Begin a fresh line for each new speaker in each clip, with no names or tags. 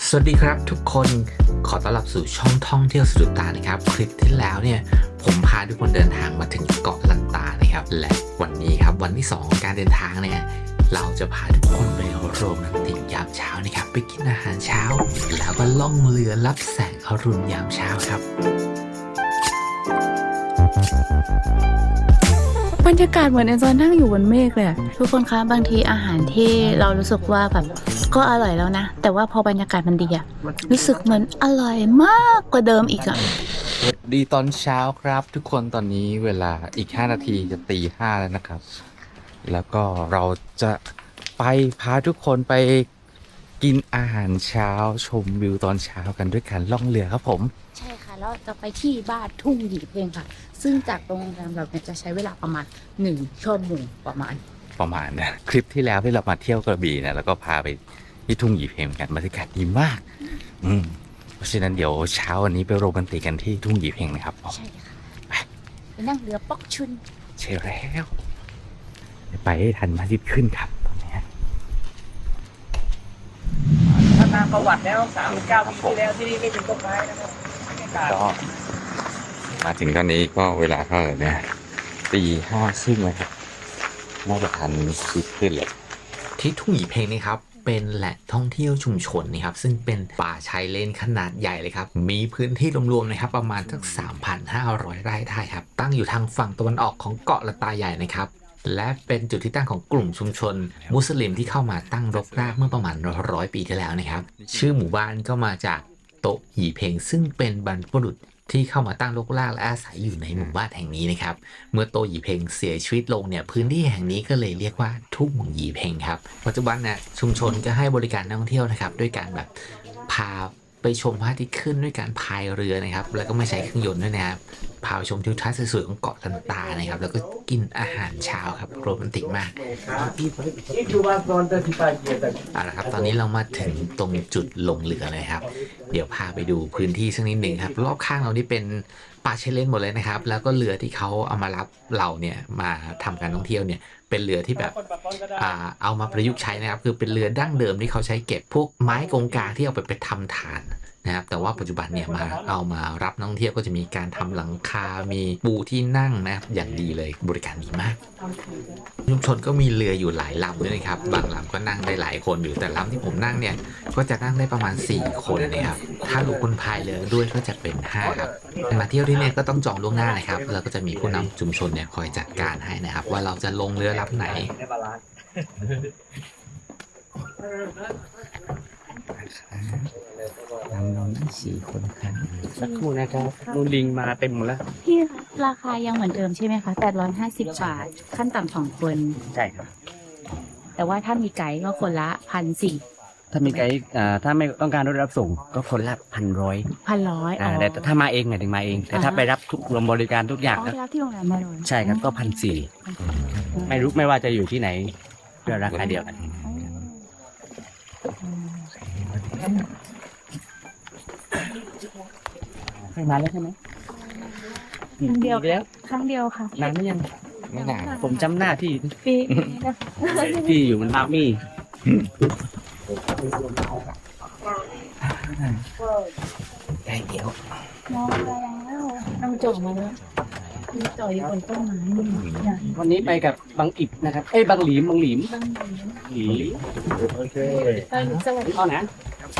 สวัสดีครับทุกคนขอต้อนรับสู่ช่องท่องเที่ยวสะดุดตานะครับคลิปที่แล้วเนี่ยผมพาทุกคนเดินทางมาถึงเกาะลันตานะครับและวันนี้ครับวันที่2ของการเดินทางเนี่ยเราจะพาทุกคนไปโรแมนติกยามเช้านะครับไปกินอาหารเช้าแล้วก็ล่องเรือรับแสงอรุณยามเช้าครับ
บรรยากาศเหมือนเอนจอยนั่งอยู่บนเมฆเลยทุกคนคะบางทีอาหารที่เรารู้สึกว่าแบบก็อร่อยแล้วนะแต่ว่าพอบรรยากาศมันดีอะรู้สึกเหมือนอร่อยมากกว่าเดิมอีกอะ
สวัสดีตอนเช้าครับทุกคนตอนนี้เวลาอีก5 นาทีจะตี 5แล้วนะครับแล้วก็เราจะไปพาทุกคนไปกินอาหารเช้าชมวิวตอนเช้ากันด้วยการล่องเรือครับผม
ใช่ค่ะแล้วจะไปที่บ้านทุ่งหยีเพลงค่ะซึ่งจากโรงแรมเราเนี่ยจะใช้เวลาประมาณ1 ชั่วโมงประมาณ
นะคลิปที่แล้วที่เรามาเที่ยวกระบี่เนี่ยแล้วก็พาไปที่ทุ่งหยีเพงกันบรรยากาศดีมากเพราะฉะนั้นเดี๋ยวเช้าวันนี้ไปโรแมนติกกันที่ทุ่งหยีเพงนะครับ
ใช่ค่ะไปนั่งเรือป๊อกชุน
ใช่แล้วไปให้ทันพระอาทิตย์ขึ้นครับตอนนี้
ถ้าตามประวัติแล้ว39 ปีที่แล้วที่นี่ไม่เป็นต้นไม้นะครับ
ก็มาถึงตอนนี้ก็เวลาเท่าไหร่เนี่ยตี 5 ครึ่งเลยครับน่าจะทันชิดขึ้นเลยที่ทุ่งหยีเพงนี่ครับเป็นแหล่งท่องเที่ยวชุมชนนะครับซึ่งเป็นป่าชายเลนขนาดใหญ่เลยครับมีพื้นที่รวมๆนะครับประมาณสัก 3,500 ไร่ได้ครับตั้งอยู่ทางฝั่งตะวันออกของเกาะละตาใหญ่นะครับและเป็นจุดที่ตั้งของกลุ่มชุมชนมุสลิมที่เข้ามาตั้งรกรากเมื่อประมาณ100 ปีที่แล้วนะครับชื่อหมู่บ้านก็มาจากโตะหยีเพงซึ่งเป็นบรรพบุรุษที่เข้ามาตั้งรกรากและอาศัยอยู่ในหมู่บ้านแห่งนี้นะครับเมื่อโตหยีเพงเสียชีวิตลงเนี่ยพื้นที่แห่งนี้ก็เลยเรียกว่าทุ่งหยีเพงครับปัจจุบันเนี่ยชุมชนก็ให้บริการนักท่องเที่ยวนะครับด้วยการแบบพาไปชมพระอาทิตย์ขึ้นด้วยการพายเรือนะครับแล้วก็ไม่ใช้เครื่องยนต์ด้วยนะครับพาไปชมทิวทัศน์สวยๆของเกาะลันตานะครับแล้วก็กินอาหารเช้าครับโรแมนติกมากเอาละครับตอนนี้เรามาถึงตรงจุดลงเรือเลยครับเดี๋ยวพาไปดูพื้นที่สักนิดหนึ่งครับรอบข้างเรานี่เป็นป่าชายเลนหมดเลยนะครับแล้วก็เรือที่เขาเอามารับเราเนี่ยมาทำการท่องเที่ยวเนี่ยเป็นเรือที่แบบเอามาประยุกต์ใช้นะครับคือเป็นเรือดั้งเดิมที่เขาใช้เก็บพวกไม้กงกางที่เอาไปทำถ่านนะครับแต่ว่าปัจจุบันเนี่ยเอามารับนักท่องเที่ยวก็จะมีการทำหลังคา มีปูที่นั่งนะครับอย่างดีเลยบริการดีมากชุมชนก็มีเรืออยู่หลายลำด้วยนะครับบางลำก็นั่งได้หลายคนอยู่แต่ลำที่ผมนั่งเนี่ยก็จะนั่งได้ประมาณ4 คนนะครับถ้าลูกคนพายเรือด้วยก็จะเป็น5ครับมาเที่ยวที่นี่ก็ต้องจองล่วงหน้านะครับแล้วก็จะมีผู้นำชุมชนเนี่ยคอยจัดการให้นะครับว่าเราจะลงเรือลำไหนเรานั่ง4 คนครับ
สักครู่นะครับนูลิงมาเต็มหมดแล้ว
พี่ราคายังเหมือนเดิมใช่ไหมคะ850 บาทขั้นต่ำ2 คน
ใช่ครับ
แต่ว่าถ้ามีไกด์ก็คนละ1,400
ถ้ามีไกด์ถ้าไม่ต้องการรถรับส่งก็คนละ1,100แต่ถ้ามาเองหมายถึงมาเองแต่ถ้าไปรับทุกรวมบริการทุกอย่าง
ก็รับที่โรงแรมมาเลย
ใช่ครับก็1,400ไม่ว่าจะอยู่ที่ไหนเพื่อราคาเดียวกันเคยมาแล้วใช่ไหม
ครั้งเดียวค่ะ
นานหรือยัง
ไม่นาน
ผมจำหน้าที่
ปี
ที่อยู่มันบาร์มี่
ได้เดี๋ยว
มองไปแล้วน้ำจ่อมาแล้วจ่ออยู่บนต้นไม้
วันนี้ไปกับบางอิบนะครับบางหลีมโอเค
สวัสดี
เอานะ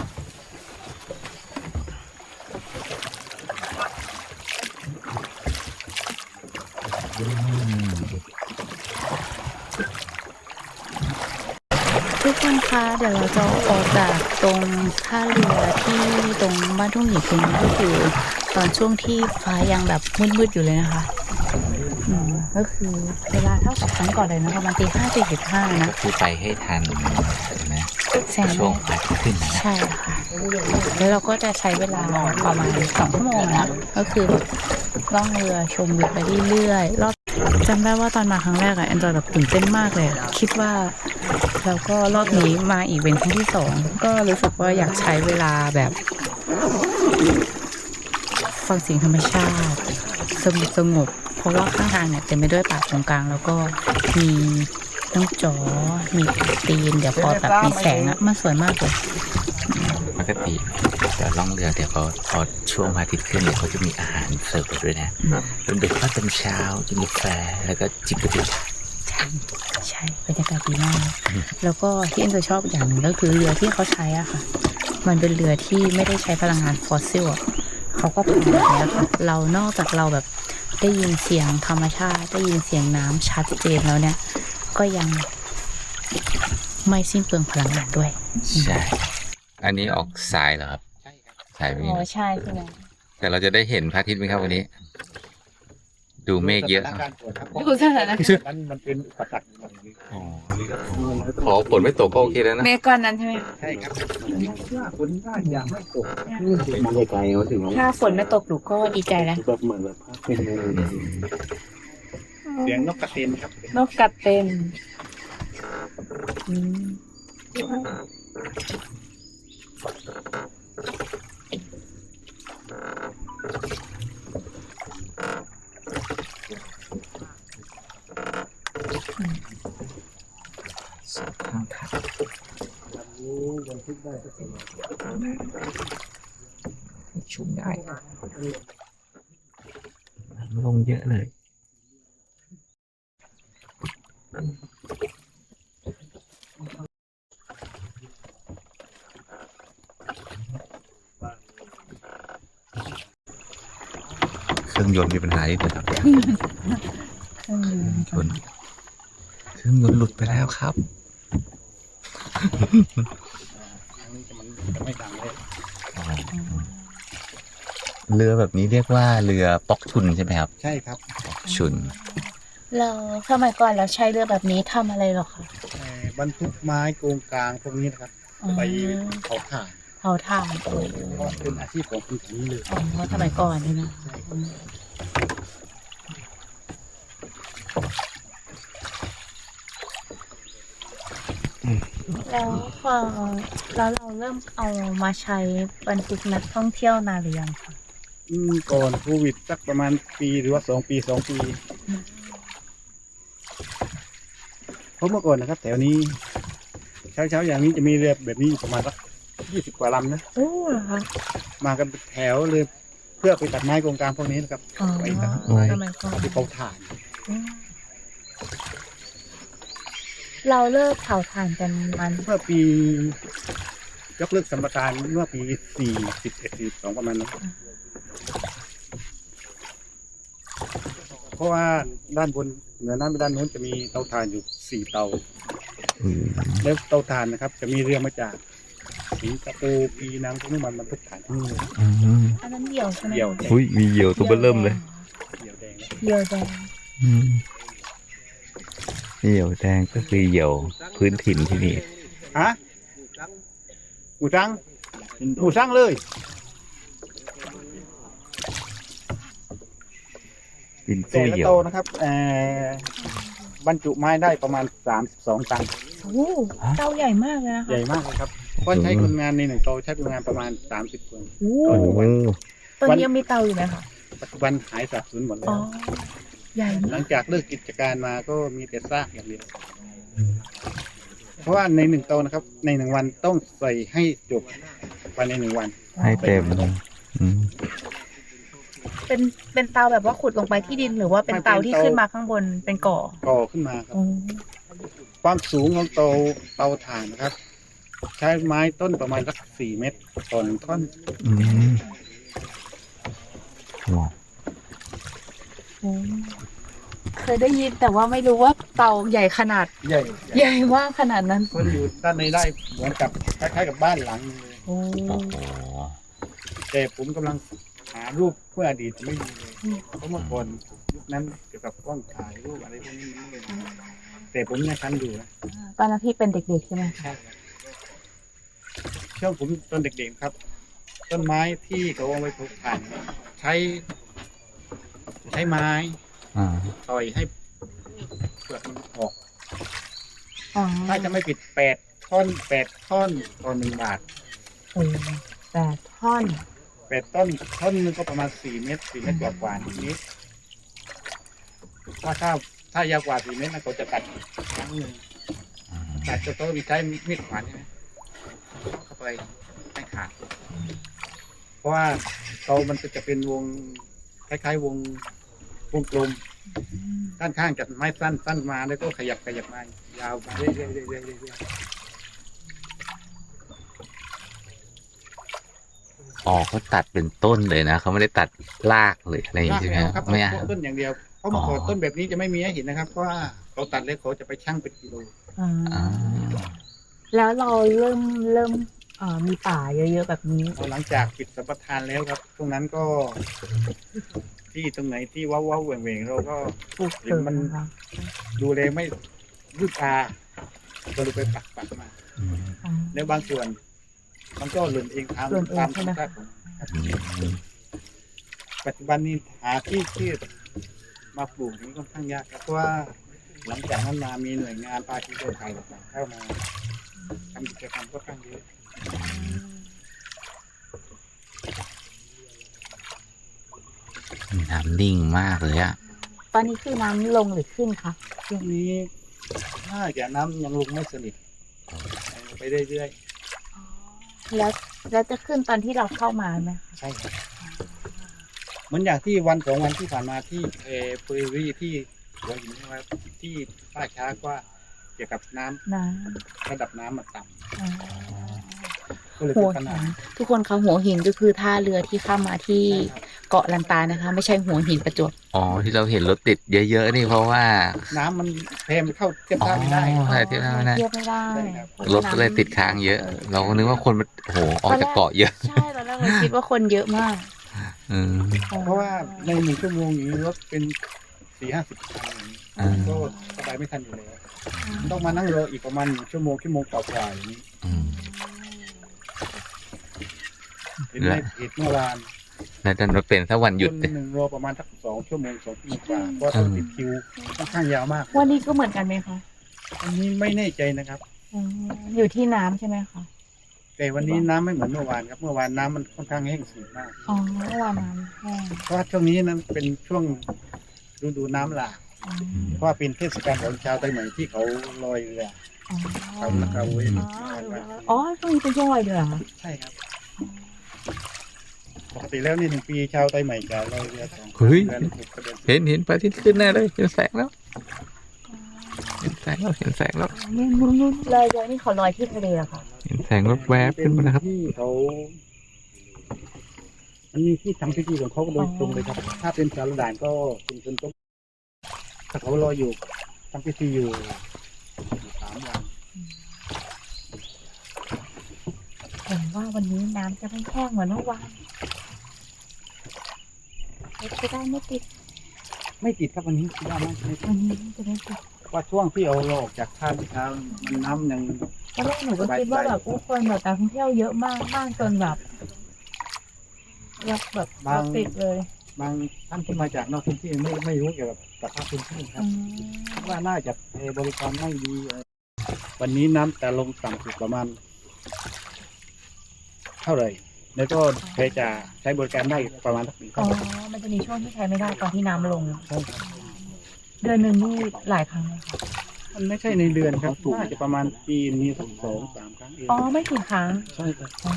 ทุกคนคะเดี๋ยวเราจะออกจากตรงท่าเรือที่ตรงบ้านทุ่งหยีเพงก็คือตอนช่วงที่ฟ้ายังแบบมืดๆอยู่เลยนะคะก็คือเวลาเท่ากับครั้งก่อนเลยนะประมาณตี 5:45นะ
คือไปให้ทันนะช่วงพระอาทิตย์ขึ้นนะ
ใช่ค่ะแล้วเราก็จะใช้เวลาประมาณ2 ชั่วโมงนะก็คือล่องเรือชมวิวไปเรื่อยๆรอบจำได้ว่าตอนมาครั้งแรกอะแอนจอยแบบตื่นเต้นมากเลยคิดว่าแล้วก็รอบนี้มาอีกเป็นครั้งที่ 2ก็รู้สึกว่าอยากใช้เวลาแบบฟังเสียงธรรมชาติสงบเพราะว่าข้างทางเนี่ยเต็มไปด้วยป่าตรงกลางแล้วก็มีน้องจ๋อมีตีนเดี๋ยวพอแบบมีแสงอะมันสวยมากเลย
กติเดี๋ยวล่องเรือเดี๋ยวเขาพอช่วงพระอาทิตย์ขึ้นเดี๋ยวเขาจะมีอาหารเสิร์ฟเราด้วยนะเป็นเบรกฟาสต์ตอนเช้ากินกาแฟแล้วก็จิบกาแฟ
ใช่บรรยากาศดีมาก แล้วก็ที่เอ็นจะชอบอย่างหนึ่งก็คือเรือที่เขาใช้อะค่ะ มันเป็นเรือที่ไม่ได้ใช้พลังงานฟอสซิลอะเขาก็พอแบบนี้ค่ะเรานอกจากเราแบบได้ยินเสียงธรรมชาติได้ยินเสียงน้ำชัดเจนแล้วเนี่ย ก็ยังไม่สิ้นเปลืองพลังงานด้วย
ใช่ อันนี้ออกสายเหรอครับสายไป
อ๋อใช่ใช่ไหม
แต่เราจะได้เห็นพระอาทิตย์ไหมครับวันนี้ ดูเมฆเยอะ
ดูสถานะ
มันเป็นอุปสรรคอย่างนี้
ขอฝนไม่ตกก็โอเคแล้วนะ
เมฆก้อนนั้นใช่ไหม
ใช่ครับคนได้อย่างไม่ตกมันไกลเขาถึง
ถ้าฝนไม่ตกหนูก็ดีใจแล้ว
แบบเหมือนแบบเป็นเสียงนกกระเตนครับ
นกกระเต็นอืม
สองข้างทางชุ่มได้ลงเยอะเลย เครื่องยนต์มีปัญหาอีกแล้วครับเครื่องยนต์หลุดไปแล้วครับ
จะไม่ดังเลย
เรือแบบนี้เรียกว่าเรือปอกชุนใช่ไหมครับ
ใช่ครับ
ชุน
เราสมัยก่อนเราใช้เรือแบบนี้ทำอะไรหรอคะ
บรรทุกไม้โกงกลางพวกนี้นะครับ ไปเผาถ่าน
เผาถ่าน
เพราะเป็นอาชีพของคนแถวนี้เลย
อ๋อสมัยก่อนนี่นะแล้วพอแล้วเราเริ่มเอามาใช้บรรทุกนักท่องเที่ยวนานหรือยังคะ
ก่อนโควิดสักประมาณปีหรือว่า2 ปีเพราะเมื่อก่อนนะครับ แถวนี้ เช้าอย่างนี้จะมีเรือแบบนี้อยู่ประมาณสัก20 กว่าลำนะ
โอ้เหรอคะ
มากันเป็นแถวเลยเพื่อไปตัดไม้โกงกลางพวกนี้นะครับ
อ๋อ
ไปตัด
ส
ไม้
มัยก่อน
เอาไปเผาถ่าน
อืมเราเลิกเผาถ่านกันมัน
เมื่อปียกเลิกสัมปทานเมื่อปี41-42ประมาณนั้นเพราะว่าด้านบนเหนือน้ำด้านโน้นจะมีเตาถ่านอยู่4 เตา แล้วเตาถ่านนะครับ จะมีเรือมาจากสิงคโปร์ปีนังพวกนี้มันบรรทุกถ่านทั้งหมด
อันนั้นเหี่ยวใช่ไหม
เหี่ยวแดง
อุ้ยมีเหยี่ยวตัวเบิ่มเริ่มเลย
เหี่ยวแดง
เหี่ยวแดง
เหยี่ยวแดงก็คือเหยี่ยวพื้นถิ่นที่นี่
ฮะหมูสังเลย
บิน
แต่
สู้
ละ
เหยี่ย
โต
ว
นะครับบรรจุไม้ได้ประมาณ32 ตัน
โอ้เตาใหญ่มากเลยนะ
ให
คะ
ญ่มากเลยครับเพราะใช้คนงานใน1 โตใช้คนงานประมาณ30 คน
โอ้
โอ้โห
ตอนนี้ยังมีเตาอยู่ไหมคะ
ปัจจุบันหายสาบสูญหมดแล้
อ๋อ
ว
ใหญ่
หลั
มาก
งจากเลิกกิจการมาก็มีแต่ซากอย่างเดียว เพราะว่าใน1 โตนะครับ ใน1 วันต้องใส่ให้จบภายใน1 วัน
ให้เต็มอืม
เป็นเตาแบบว่าขุดลงไปที่ดินหรือว่าเป็นเตาที่ขึ้นมาข้างบนเป็นก่อ
ก่อขึ้นมาครับ
อ๋อ
ความสูงของเตาถ่านนะครับ ใช้ไม้ต้นประมาณสัก4 เมตรต่อ1 ท่อน
อืมว้าว
อืมเคยได้ยินแต่ว่าไม่รู้ว่าเตาใหญ่ขนาด
ใหญ่
ใหญ่มากขนาดนั้น
มันอยู่ด้านในได้เหมือนกับคล้ายๆกับบ้านหลังนึงเลย
โอ้
โอ้โห
แต่ผมกำลังหารูปเพื่ออดีตไม่มีเลยเพราะเมื่อก่อนยุคนั้นเกี่ยวกับกล้องถ่ายรูปอะไรพวกนี้ไม่มีแต่ผมยังทันอยู่นะ
ตอนนั้นพี่เป็นเด็กๆใช่ไหม
ใช่ครับช่วงผมตอนเด็กๆครับ ต้นไม้ที่เขาเอาไว้ปลูกถ่านใช้ไม้
อ่า
ต่อยให้เปลือกมันออก
อ๋อ
ถ้าจะไม่ปิด8 ท่อนต่อ1 บาท
โอ้8 ท่อน
8 ต้นท่อนนึงก็ประมาณ4 เมตรกว่าๆนิดๆว่าถ้ายาวกว่า4 เมตรนะเขาจะตัดครั้งหนึ่งตัดจะต้องใช้มีดขวานใช่ไหมเข้าไปให้ขาดเพราะว่าเตามันจะเป็นวงคล้ายๆวงกลมด้านข้างจากไม้สั้นมาแล้วก็ขยับมายาวมาเรื่อยๆ
อ๋อเขาตัดเป็นต้นเลยนะเขาไม่ได้ตัดรากเลยอะไรอย่าง
ราก
งี้ใช่ไหม
ไม่เอาครับ
ไม่เอา
เอาต้นอย่างเดียวเพราะเมื่อก่อนต้นแบบนี้จะไม่มีให้เห็นนะครับเพราะว่าเขาตัดแล้วเขาจะไปชั่งเป็นกิโล
อ่า
แล้วเราเริ่มมีป่าเยอะๆแบบนี้
พอหลังจากปิดสัมปทานแล้วครับตรงนั้นก็ ที่ตรงไหนที่ว้าวๆเหว่งๆเราก็
ปลูก
เห็
เสริ
น
ม
มัน
นะคะ
ดูเลยไม่รูดตาก็เลยไปปักมา
อ่า
แล้วบางส่วน มันก็หล่นเองตาม
หล่นเอง
ตาม
ใช่
ธร
ไหม
รมชาติของมันครับปัจจุบันนี้หาที่มาปลูกนี้ค่อนข้างยากครับเพราะว่าหลังจากนั้นมามีหน่วยงานภาคีเครือข่ายต่างๆเข้ามาทำกิจกรรมค่อนข้างเยอะ
น้ำนิ่งมากเลยอะ
ตอนนี้คือน้ำลงหรือขึ้นคะ
ช่วงนี้น่าจะน้ำยังลงไม่สนิทไปเรื่อย
แล้วจะขึ้นตอนที่เราเข้ามาไหมคะ
ๆใช่ครับเหมือนอย่างที่วัน2 วันที่ผ่านมาที่เฟอร์รี่ที่หัวหินนะครับที่ป้าช้ากว่าเกี่ยวกับน้ำ
น้
ระดับน้ำมันต่
ำอ่า
ำก็เลย
หั
เป็
วน
ปัญ
หิ
หาน
ทุกคนคะหัวหินก็คือท่าเรือที่ข้ามมาที่
ใช่ครับ
เกาะลันตานะคะ ไม่ใช่หัวหินประจวบ
อ๋อที่เราเห็นรถติดเยอะๆนี่เพราะว่า
น้ำมันแพมเข้าเทียบ
อ๋อ
ท่าไม่ได้
ใช่เทียบท่าไม่ได้
เทียบไม่ได้
ใช่ครับ
รถก็เลยติดค้างเยอะ เราก็นึกว่าคนมันโอ้โหออกจากเกาะเยอะ
ใช่ตอนแรกเราคิดว่าคนเยอะมาก
อืม
เพราะว่าใน1 ชั่วโมงอย่างนี้รถเป็น40-50 คันอย่างนี้
อ่า
ก็สบายไม่ทันอยู่แล้วต้องมานั่งรออีกประมาณ1 ชั่วโมงกว่าๆอย่างนี้
อืม
เห็นในเพจเมื่อวาน
แล้วดันมาเป็นถ้าวันหยุด
คน
เนี่ย
หนึ่งรอประมาณสัก2 ชั่วโมงกว่าเพราะต้องติดคิวค่อนข้างยาวมาก
วันนี้ก็เหมือนกันไหมคะ
อันนี้ไม่แน่ใจนะครับ
อยู่ที่น้ำใช่ไหมคะ
แต่วันนี้น้ำไม่เหมือนเมื่อวานครับ เมื่อวานน้ำมันค่อนข้างแห้งสีมาก
อ๋อเมื่อวานน้ำแห้ง
เพราะว่าช่วงนี้นั้นเป็นช่วงฤดูน้ำหลาก
อ๋อ
เพราะว่าเป็นเทศกาลของชาวไทยใหม่ที่เขาลอยเรือ
อ๋อ
เขาละกาเวย
อ๋อช่วงนี้เป็นช่วงลอยเรือเหรอคะ
ใช่ครับ ปกติแล้วนี่1 ปีชาวไทยใหม่จะลอยเรือ2
เฮ้ย
เดือน6 เดือน
เห็นพระอาทิตย์ขึ้นแน่เลยเห็นแสงแล้วเห็นแสงแล้วเห็นแสงแล้ว
นู่นลอยเรือนี่เขาลอยที่ทะเลเหรอคะ
เห็นแสงแวบๆขึ้นมาแล้วครับ
ที่เขา มันมีที่ทำพิธีของเขาโดยตรงเลยครับ ถ้าเป็นชาวด่านก็เป็นคนต้มถ้าเขารออยู่ทำพิธีอยู่3 วัน
เห็นว่าวันนี้น้ำจะไม่แห้งเหมือนเมื่อวานจะได้ไม่ติด
ไม่ติดครับวันนี้คิดว่าไม่ติด
วันนี้จะไม่ติด
ว่าช่วงที่เอาเราออกจากท่าเช้ามันน้ำยัง
ตอนแรกหนูก็คิดว่าแบบผู้คนแบบการท่องเที่ยวเยอะมากมากจนแบบรถติดเลย
บางท่านที่มาจากนอกพื้นที่ไม่รู้เกี่ยวกับสภาพพื้นที่ครับคิดว่าน่าจะบริการไม่ดีวันนี้น้ำจะลงต่ำสุดประมาณเท่าไหร่ แล้วก็ใครจะใช้บริการได้ประมาณสักปี
อ๋อ
เท่าไหร่
มันจะมีช่วงที่ใช้ไม่ได้ตอนที่น้ำลง
ใช่ครับ
เดือนหนึ่งนี่หลายครั้งเลยค่ะ
มันไม่ใช่ในเดือนครับน่าจะประมาณปีนี้สัก2-3 ครั้งเอง
อ๋อไม่กี่ครั้ง
ใช่ครับ
อ๋อ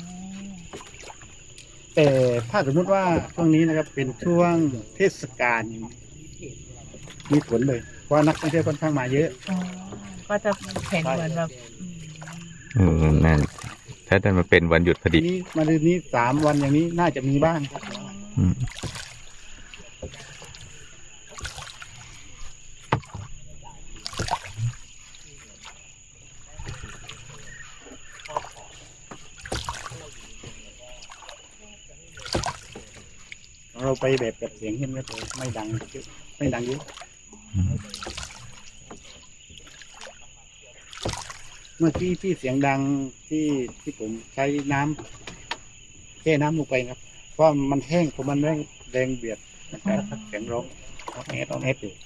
แต่ถ้าสมมุติว่าช่วงนี้นะครับเป็นช่วงเทศกาลมีผลเลย เพราะว่านักท่องเที่ยวค่อนข้างมาเยอะ
อ๋อก็จะเห็นเหมือนแบบ
นั่นถ้าดันมาเป็นวันหยุดพอ
ที
ดี
นี้มาเดือนนี้3 วันอย่างนี้น่าจะมีบ้างครับ
อืม
เราไปแบบเสียงเงียบๆเลยไม่ดังเยอะไม่ดังเยอะเมื่อกี้ที่เสียงดังที่ผมใช้น้ำแค่น้ำลงไปครับ เพราะมันแห้งเพราะมันแรงเบียดนะครับเสียงร้องต้องแอดอยู่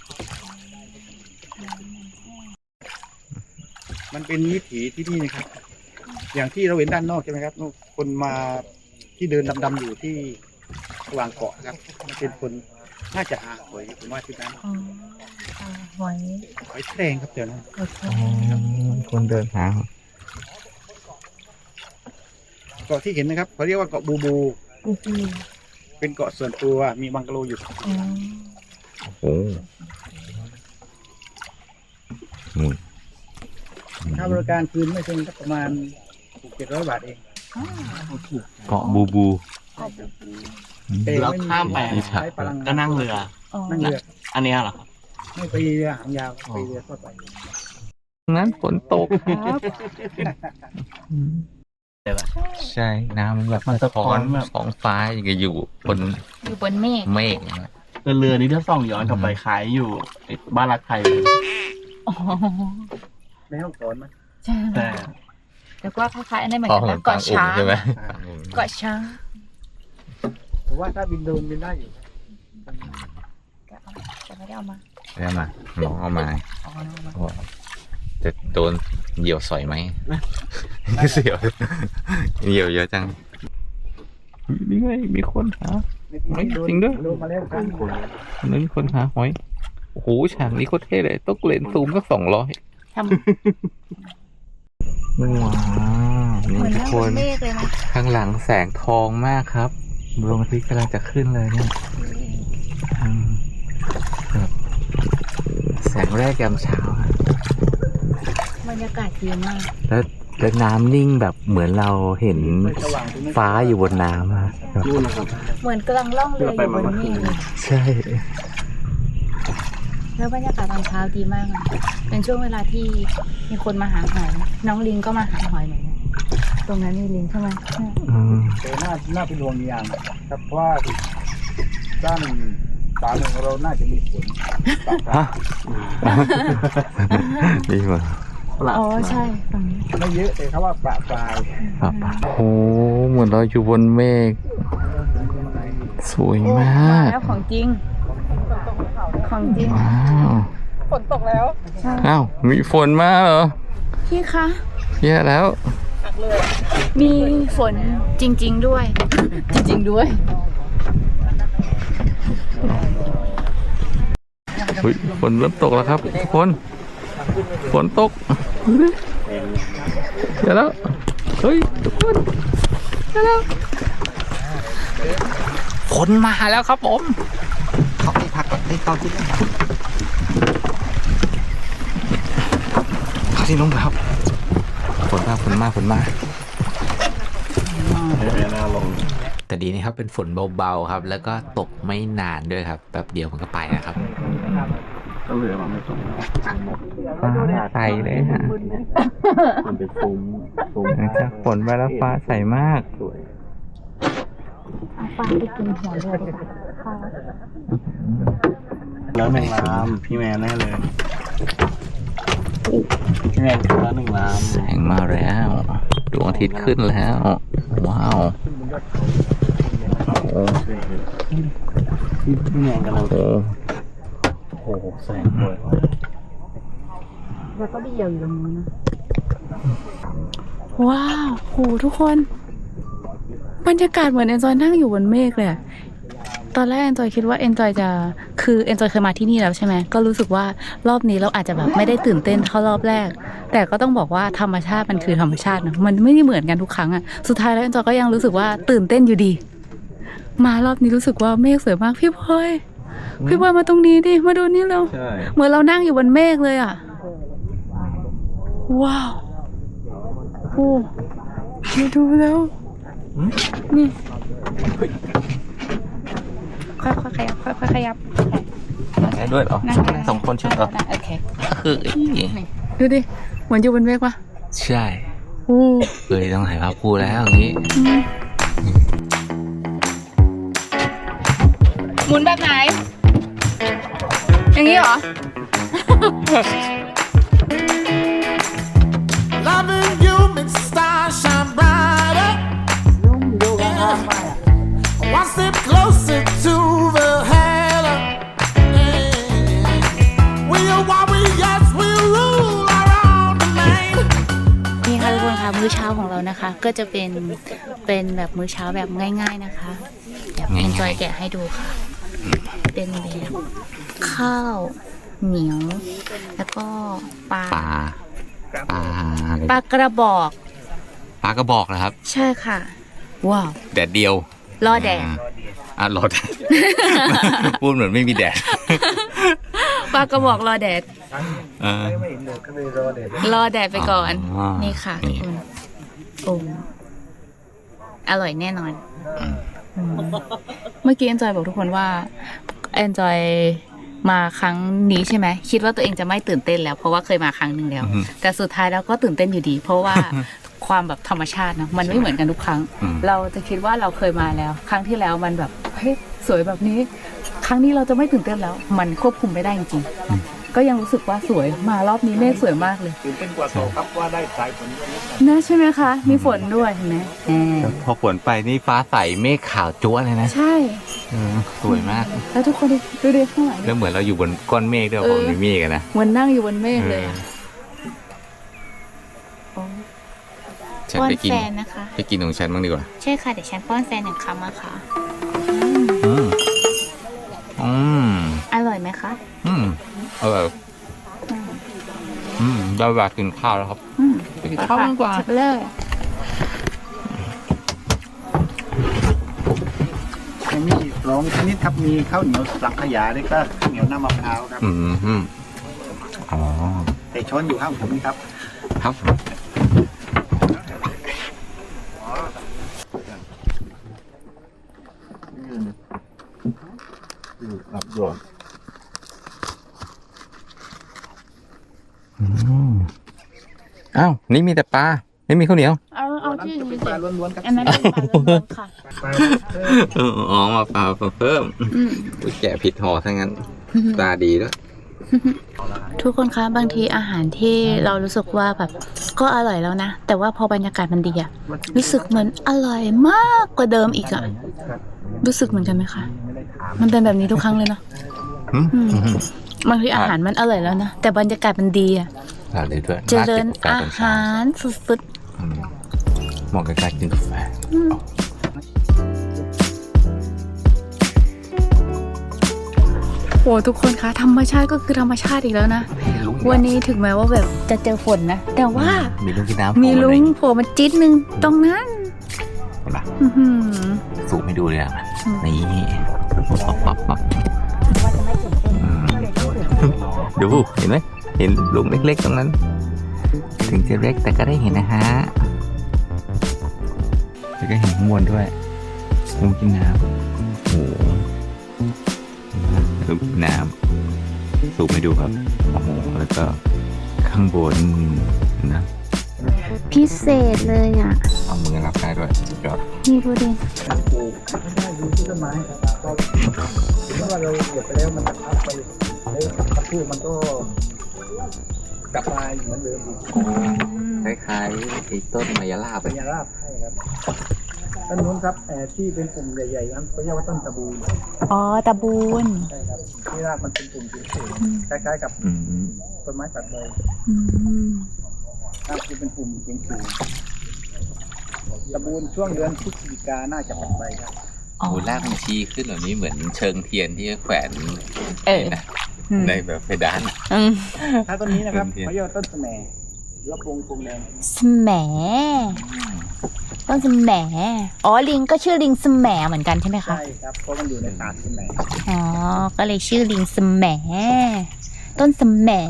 มันเป็นวิถีที่นี่นะครับ อย่างที่เราเห็นด้านนอกใช่ไหมครับคนมาที่เดินดำๆอยู่ที่ระหว่างเกาะครับมันเป็นคนน่าจะหาหอยผมว่าที่นั้น
อ๋อหอย
หอยแครงครับเดี๋ยวนั้น
โอเค
คนเดินหา
เกาะที่เห็นนะครับเขาเรียกว่าเกาะบูบู เป็นเกาะส่วนตัวมีบังกะโลอยู่
โอ้อืม
ค่าบริการคืนไม่ถึงก็ประมาณ700 บาทเอง
เกาะบูบู
แต่
เรา
ไม่มี
ข้ามไป
ใช้พลังงาน
ก็นั่งเรือ
นั่งเรือ
อันเนี้ยเหรอครับ
ไม่ไปเรือหางยาวไปเรือทั่วไป
งั้นฝนตกครับใช่น้ำแบบสะท้อนท้องฟ้าอย่างกับอยู่บน
อยู่บนเมฆ
เมฆอย่างเงี้ย
เรือนี้ถ้าส่องย้อนกลับไปคล้ายอยู่บ้านรักไทยเลย
อ๋อ
ในห้องสอนไหม
ใช่
แต่
แล้วก็คล้ายๆอันนี้เหมือน
พอ
กัน
เหมือ
นะ
นกลาง
เกาะ
อุ่น
ช้าง
ใช่ไหม
เกาะช้าง
ผมว่าถ้าบินโดรนบินได้อยู่
จะไม่ได้เอามา
ได้มาน้องเอามา
อ๋อเอามา
จะโดนเหยี่ยวสอยไหม เสียวเหยี่ยวเยอะจังนี่ไงมีคนหา ไม่จริงด้วย
โดนมาแล้วกัน
นั่นคนหาหอยโอ้โหฉากนี้โคตรเท่เลยต้องเลนส์ซูมสัก200
ทำ
ว้าว
เหมื
นี่
อน
ทุก
นั่ง
ค
บ
น
นเมฆเลยนะ
ข้างหลังแสงทองมากครับดวงอาทิตย์กำลังจะขึ้นเลยเนี่ยแบบแสงแรกยามเช้าอะ
บรรยากาศดีมาก
แล้วน้ำนิ่งแบบเหมือนเราเห็นฟ้าอยู่บนน้ำอะแบบ
นู่นนะครับ
เหมือนกำลังล่องเรืออยู่บนเมฆเลย
ใช่
แล้วบรรยากาศตอนเช้าดีมากอะเป็นช่วงเวลาที่มีคนมาหาหอยน้องลิงก็มาหาหอยเหมือนกันตรงนั้นมีลิงใช่ไหม
แต่น่าเป็นห่วงอย่างครับเพราะว่าด้านสามของเราน่าจะมีฝน
ฮะนี่มา
อ๋อใช่ฝั่งนี้
ไม่เยอะแต่เขาว่าประปราย
ครับโอ้โหเหมือนเราอยู่บนเมฆสวยมาก
แล้วของจริง ของจริง
ว้าว
ฝนตกแล้ว
อ้าวมีฝนมาเหรอ
พี่คะ
แย่แล้ว
มีฝนจริง ๆด้วย จริง ๆด้วย
เฮ้ยฝนเริ่มตกแล้วครับทุกคนฝนตกเดี๋ยวแล้วเฮ้ยทุกคนเดี๋ยวแล้วฝนมาแล้วครับผมเขาไปพักก่อนให้เขาที่นั่งเขาที่นุ่งครับฝนมาแต่ดีนะครับเป็นฝนเบาๆครับ แล้วก็ตกไม่นานด้วยครับแป๊บเดียวมันก็ไปนะครับ
ก็เรือมันไม่ตรง
ฟ้าใสเลยฮะ
มันเป็นฟุ้ง
หลังจากฝนไปแล้วฟ้าใสมาก
เอาปลาไปกินหัวเลยดีกว่าค่ะ
แล้ว1 ลำพี่แมนแน่เลยพี่แมนกินแล้ว1 ลำ
แสงมาแล้วดวงอาทิตย์ขึ้นแล้ว ว้าวโอ้
พี่แมนกำลัง
โห
โอ้โหแสงสวย
แล้วก็ดีอยู่ตรงนู้นนะว้าวโหทุกคน บรรยากาศเหมือนเอนจอยนั่งอยู่บนเมฆเลยอะตอนแรกเอนจอยคิดว่าเอนจอยจะคือเอนจอยเคยมาที่นี่แล้วใช่ไหมก็รู้สึกว่ารอบนี้เราอาจจะแบบไม่ได้ตื่นเต้นเท่ารอบแรก แต่ก็ต้องบอกว่าธรรมชาติมันคือธรรมชาตินะมันไม่ได้เหมือนกันทุกครั้งอะสุดท้ายแล้วเอนจอยก็ยังรู้สึกว่าตื่นเต้นอยู่ดี มารอบนี้รู้สึกว่าเมฆสวยมากพี่พลอยมาตรงนี้ดิมาดูนี่เร็ว
ใช่
เหมือนเรานั่งอยู่บนเมฆเลยอ่ะว้าวโอ้มาดูแล้วนี่ค่อยๆขยับค่อยๆขยับ
ได้ด้วยเหรอ
นั่ง
ได้2 คนชุดเหรอ
โอเค
คือ
ดูดิเหมือนอยู่บนเมฆปะ
ใช่
โอ้
เลยต้องถ่ายภาพคู่แล้วอย่างนี้
หมุนแบบไหน อย่างนี้เหรอ
Loving you makes the stars shine brighter. Yeah. One step closer to the halo. Yeah. We are warriors, we rule around the domain.
นี่ค่ะทุกคนค่ะมื้อเช้าของเรานะคะ ก็จะเป็นแบบมื้อเช้าแบบง่าย ๆนะคะเดี๋ยวเอนจอยแกะให้ดูค่ะ เป็นแบบข้าวเหนียว แล้วก็ปลา
ปลาอะไร
ปลากระบอก
ปลากระบอกนะครับ
ใช่ค่ะว้าว
แดดเดียว
รอแดด
รอแดด พูดเหมือนไม่มีแดด
ปลากระบอกรอแดด
อ่า
ไม่เห็นเลยก็เลยรอเด็ด
รอแดดไปก่อน
อ๋อ
นี่ค่ะ
นี่
ทุกคนโอ้อร่อยแน่นอนอืมเมื่อกี้แอนจอยบอกทุกคนว่าแอนจอยมาครั้งนี้ใช่ไหมคิดว่าตัวเองจะไม่ตื่นเต้นแล้วเพราะว่าเคยมาครั้งหนึ่งแล้ว แต่สุดท้ายแล้วก็ตื่นเต้นอยู่ดี เพราะว่า ความแบบธรรมชาตินะมันไม่เหมือนกันทุกครั้ง เราจะคิดว่าเราเคยมาแล้ว ครั้งที่แล้วมันแบบเฮ้ยสวยแบบนี้ ครั้งนี้เราจะไม่ตื่นเต้นแล้ว มันควบคุมไม่ได้จริงๆก็ยังรู้สึกว่าสวยมารอบนี้เมฆสวยมากเลย
ตื่นเต้นกว่าโตครับว่าได้สายฝนด้วยนิดหน่อย
นะใช่ไหมคะ มีฝนด้วยเห็นไหม
พอฝนไปนี่ฟ้าใสเมฆขาวจั๊วเลยนะ
ใช่
สวยมาก
แล้วทุกคนดูดิข้างหลัง
แล้วเหมือนเราอยู่บนก้อนเมฆด้วยเพราะมันมีเมฆอะนะ
เหมือนนั่งอยู่บนเมฆเลยอะโอ้
ฉัน
ป้อน
ไปกิน
แฟนนะคะ
ไปกินของฉันบ้างดีกว่า
ใช่ค่ะเดี๋ยวฉันป้อนแฟนหนึ่งคำอะค่ะ
อืมอืม
อร่อยไหมคะ
อืมอร่อยได้เวลากินข้าวแล้วครับ ไปกินข้าวกันดีกว่า
จับเลย
ยังมีอีก2ชนิดครับมีข้าวเหนียวสังขยาแล้วก็ข้าวเหนียวหน้ามะพร้าวครับ
อ๋อ
แต่ช้อนอยู่ข้างผมนี่ครับ
ครับอ้าวนี่มีแต่ปลาไม่มีข้าวเหนียว
เอาที่อื่น
เป็น
เส
ป
ร็
ลา
จ
ล้วนๆครับ
อันนั้นเป็นปลาล้วนๆค่ะ
ปลา
อ๋อมาปลาเพิ่มแกะผิดห่อทั้งนั้น ตาดีด้วย
ทุกคนคะบางทีอาหารที่เรารู้สึกว่าแบบก็อร่อยแล้วนะ แต่ว่าพอบรรยากาศมันดีอะรู้สึกเหมือนอร่อยมากกว่าเดิมอีกอะรู้สึกเหมือนกันไหมคะมันเป็นแบบนี้ทุกครั้งเลยเนาะบางทีอาหารมันอร่อยแล้วนะแต่บรรยากาศมันดีอะ
ดีด้วย
เจริญอาหารสุด
เหมาะกับการกินกาแฟ
ๆโอ้ทุกคนคะธรรมชาติก็คือธรรมชาติอีกแล้วนะวันนี้ถึงแม้ว่าแบบจะเจอฝนนะแต่ว่า
มีลุงกินน้ำ
มีลุงโผล่มาจิ๊ดนึงตรงนั้น
เห็นปะ
อื้อหือ
สูบให้ดูเลยอ่ะนี่ปั๊บดูเห็นไหมเห็นลุงเล็กๆตรงนั้น ถึงจะเล็กแต่ก็ได้เห็นนะฮะแล้วก็เห็นข้างบนด้วยลุงกินน้ำโอ้โหลุงกินน้ำสูบให้ดูครับโอ้โหแล้วก็ข้างบนนะ
พิเศษเลยอ่ะ
เอามือรับได้ด้วยสุดยอด
นี่ดูดิ
การปลูกไม่ได้ดูที่ต้นไม้ครับก็เมื่อเราเหยียบไปแล้วมันจะพับไปแล้วพับพูมันก็กลับมาเหมือนเดิมอีก
คล้ายๆไอ้ต้นมายาลาบ
เป็นยาลาบใช่ครับต้นนู้นครับที่เป็นกลุ่มใหญ่ๆนั้นเขาเรียกว่าต้นตะบูน
อ๋อตะบูน
ใช่ครับที่รากมันเป็นกลุ่มสูงๆคล้ายๆกับต้นไม้ตัดใบ
อืม
รากคือเป็นกลุ่มสูงๆตะบูนช่วงเดือนพฤศจิกาน่าจะตัดใบครับ
อ๋อ
โอ้ลากมันชี้ขึ้นแบบนี้เหมือนเชิงเทียนที่แขวน
เออ
นะในแบบเพดาน
อืม
ถ้าต้นนี้นะครับ
เป็นเทียน
เขาเรียกว่าต้นแสมหรือว่าพงแดง
สแหมต้นสแหมอ๋อลิงก็ชื่อลิงสแหมเหมือนกันใช่ไหมคะ
ใช่ครับเพราะมันอยู่ในป่าแสม
อ๋อก็เลยชื่อลิงสแหมต้นสแหม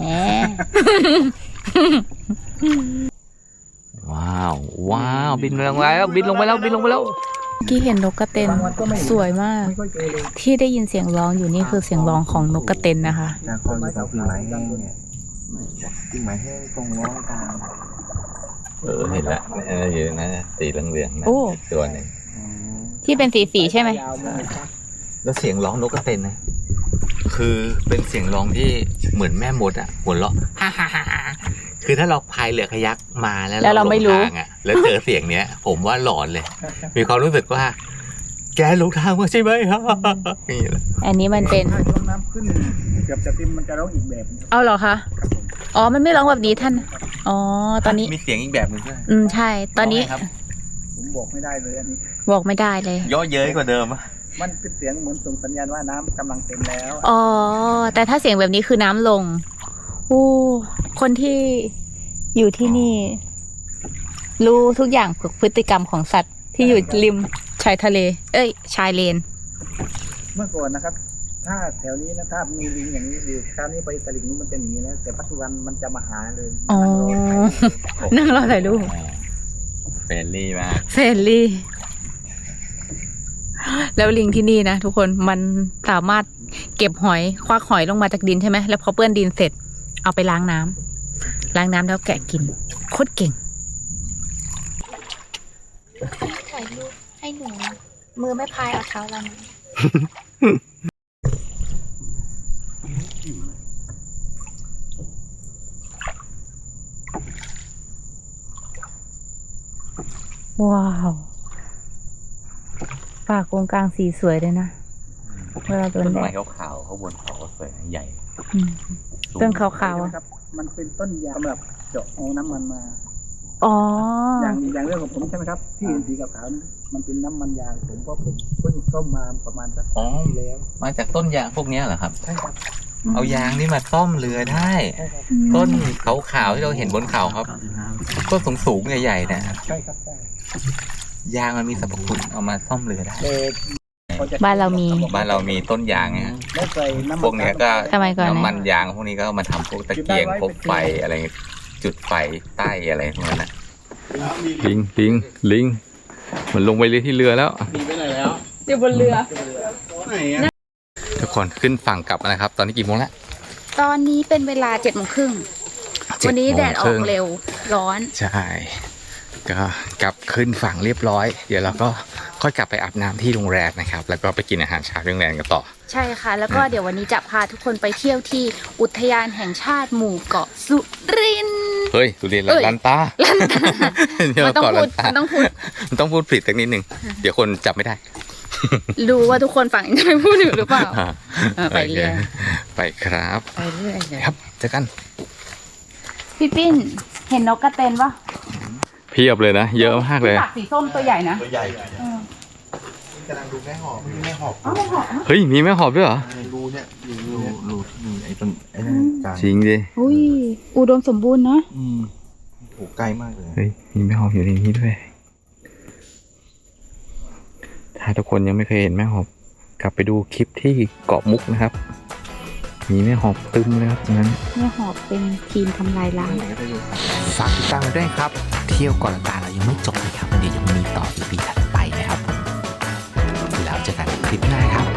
ว้าว ว้าว บินลงไปแล้ว บินลงไปแล้ว บินลงไปแล้ว
ที่เห็นนกกระเต็นสวยมาก
ไม่ค่อยเจอเลย
ที่ได้ยินเสียงร้องอยู่นี่คือเสียงร้องของนกกระเต็นนะคะ
นาคอนกับกิ่งไม้แห้งเนี่ยกิ่งไม้แห้งตรงร้องกลาง
เห็นละอยู่นะสีเหลืองๆนะ
โอ้
ตัวหนึ่ง
ที่เป็นสีใช่ไหม
ยาวมากครับ
แล้วเสียงร้องนกกระเต็นนะ คือเป็นเสียงร้องที่เหมือนแม่มดอ่ะหัวเราะฮ่าฮ่าฮ่าคือถ้าเราพายเรือคายักมาแล้ว
แล้วเราไม่รู้
หลงทางอ่ะ แล้วเจอเสียงเนี้ย ผมว่าหลอนเลย มีความรู้สึกว่า แกหลงทางมาใช่ไหมฮ่าฮ่าฮ่านี่แหละ
อันนี้มันเป็น
ถ้าช่วงน้ำขึ้นเกือบจะเต็มมันจะร้องอีกแบบหนึ่ง
เอาเหรอคะอ๋อมันไม่ร้องแบบนี้ท่านอ๋อตอนนี้
มีเสียงอีกแบบหนึงด้วย
ใช่ ตอนนี้
ร้งไงครับ
ผมบอกไม่ได้เลยอันนี้
บอกไม่ได้เลย
ย่อเย้ยกว่าเดิมอะ
มันเป็นเสียงเหมือนส่งสัญญาณว่าน้ำกำลังเต็มแล้ว
อ๋อ แต่ถ้าเสียงแบบนี้คือน้ำลงอู้คนที่อยู่ที่นี่ รู้ทุกอย่างพฤติกรรมของสัตว์ที่อยู่ริมชายทะเล เอ้ย ชายเลน
เมื่อก่อนนะครับ ถ้าแถวนี้นะถ้ามีลิงอย่างนี้อยู่คราวนี้ไปตลิ่งนู้นมันจะหนีแล้วแต่ปัจจุบันมันจะมาหาเลย
อ๋อ นั่งรอถ่ายรูป
เฟรนลี่มาก
เฟรนลี่ แล้วลิงที่นี่นะทุกคน มันสามารถเก็บหอย ควักหอยลงมาจากดินใช่ไหม แล้วพอเปื้อนดินเสร็จ เอาไปล้างน้ำ ล้างน้ำแล้วแกะกิน โคตรเก่ง
ถ่ายรูปให้หนู มือไม่พายเอาเท้าเรามา
ว้าวป่ากงกลางสีสวยเลยนะ เวลาโดน
ต้น
แด
ไม้
ด
ขาวๆข้างบนเขาก็สวยใหญ่
อืมต้นขาวๆอ่ะ
ครับ มันเป็นต้นยางสำหรับเจาะเอาน้ำมันมา
อ๋อ
อย่างเรื่องของผมใช่ไหมครับ ที่เห็นสีขาวๆนี่มันเป็นน้ำมันยางผมเพราะผมเพิ่งซ่อมมาประมาณสัก
อ๋อ
ปีแล้ว
มาจากต้นยางพวกเนี้ยเหรอครับ
ใช่ครับ
เอายางนี่มาซ่อมเรือได้
ใช่ครับ
ต้นขาวๆที่เราเห็นบนเขาครับต้นสูงๆใหญ่ๆนะครับ
ใช่ครับใช่
ยางมันมีสรรพคุณเอามาซ่อมเรือได้
บ้านเรามี
บ้านเรามีต้นยางนะฮะ
แล้วใส่น้ำมัน
พวกเนี้ยก็
ทำไมก่อนนะ
น้ำมันยางพวกนี้ก็เอามาทำพวกตะเกียงพวกไฟอะไรจุดไฟใต้อะไรพวกนั้นนะลิงมันลงไปเลยที่เรือแล้ว
หนีไปไหนแล้ว
อยู่บนเรือ
ไหนอะ
ทุกคนขึ้นฝั่งกลับแล้วนะครับ ตอนนี้กี่โมงแล้ว
ตอนนี้เป็นเวลา7:30วันนี้แดดออกเร็ว ร้อน
ใช่ก็กลับขึ้นฝั่งเรียบร้อย เดี๋ยวเราก็ค่อยกลับไปอาบน้ำที่โรงแรมนะครับ แล้วก็ไปกินอาหารเช้าที่โรงแรมกันต่อ
ใช่ค่ะ แล้วก็เดี๋ยววันนี้จะพาทุกคนไปเที่ยวที่อุทยานแห่งชาติหมู่เกาะสุรินทร์
เฮ้ยสุรินทร์
เอ้ย
ลันตา
ลันตา
เดี๋ยว
มันต้อง
ก่อน
พู
ลั
ด
นตา
มันต้องพูด
มันต้องพูดผิดสักนิดนึง เดี๋ยวคนจับไม่ได้
รู้ว่าทุกคนฟังจะไม่พูดอยู่หรือเปล่า ไปเรื่อย
โคไปครับ
ไปเรื่อยเลย
ครับเจอกัน
พี่ปิ้น เห็นนกกระเตนปะ
เพียบเลยนะ เยอะมากเลย
ปากสีส้มตัวใหญ่นะ
ตัวใหญ่กำลังดูแม่หอบมีแม่หอบ
เฮ้ย มีแม่หอบด้วยเหรอ
รูเนี่ยรูที่มีไอ้ต้นไอ้นั่นกลาง
จริงดิ
อุ้ย อุดมสมบูรณ์เนาะ
โหใกล้มากเลย
เฮ้ย มีแม่หอบอยู่ในนี้ด้วย ถ้าทุกคนยังไม่เคยเห็นแม่หอบ กลับไปดูคลิปที่เกาะมุกนะครับ มีแม่หอบตึมเลยครับตรงนั้น
แม่หอบเป็นทีมทำลายล้าง
ฝากติดตามด้วยครับ เที่ยวก่อนละตาเรายังไม่จบนะครับเดี๋ยวยังมีต่อ EP ถัดไปนะครับ แล้วเจอกันคลิปหน้าครับ